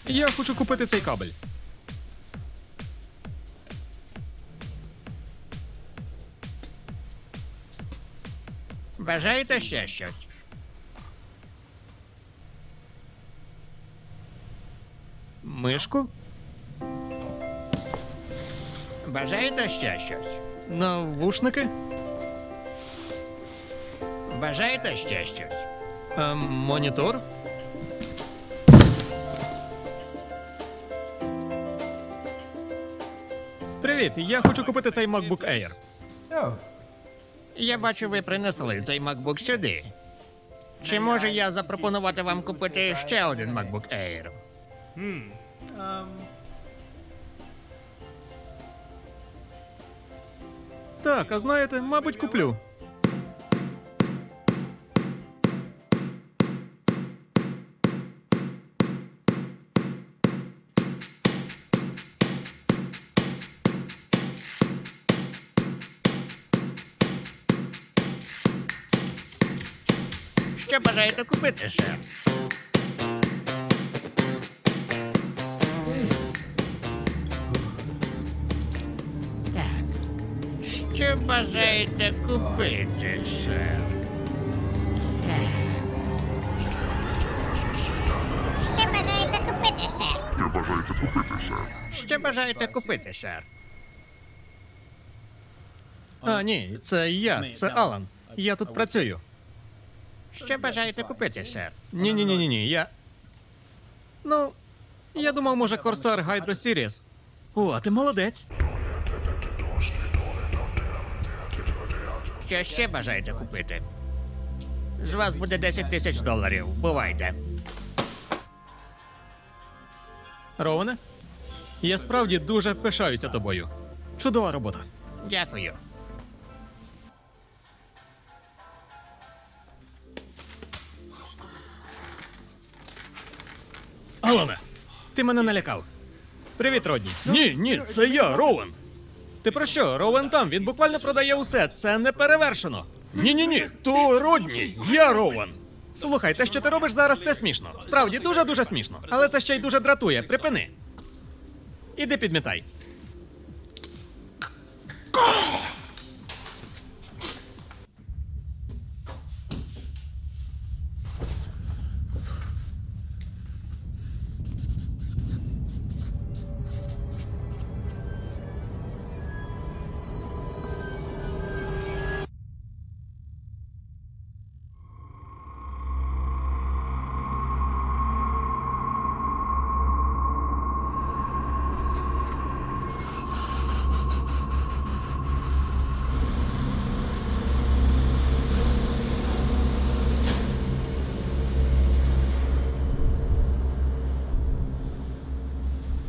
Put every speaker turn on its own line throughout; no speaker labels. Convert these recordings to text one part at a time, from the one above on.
Я хочу купити цей кабель.
Бажаєте ще щось?
Мишку?
Бажаєте ще щось?
Навушники?
Бажаєте ще щось?
Монітор? Привіт, я хочу купити цей MacBook Air.
Я бачу, ви принесли цей MacBook сюди. Чи можу я запропонувати вам купити ще один MacBook Air?
Так, а знаєте, мабуть, куплю.
Що бажаєте купити, сер? Так. Що бажаєте купити, сер? Що бажаєте купити, сер?
Що бажаєте купити, сер?
Що бажаєте купити, сер?
А, ні, це я, це Алан. Я тут працюю.
Що бажаєте купити, сер?
Ні, я. Ну, я думав, може, Corsair Hydro Series. О, а ти молодець.
Що ще бажаєте купити? З вас буде 10 тисяч доларів. Бувайте.
Роване? Я справді дуже пишаюся тобою. Чудова робота.
Дякую.
Алане, ти мене налякав. Привіт, Родні. Ні, це я, Роуен. Ти про що? Роуен там, він буквально продає усе, це не перевершено. Ні, то Родні, я Роуен. Слухай, те, що ти робиш зараз, це смішно. Справді, дуже-дуже смішно. Але це ще й дуже дратує, припини. Іди підмітай.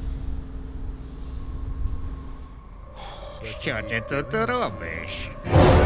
Що ти тут робиш?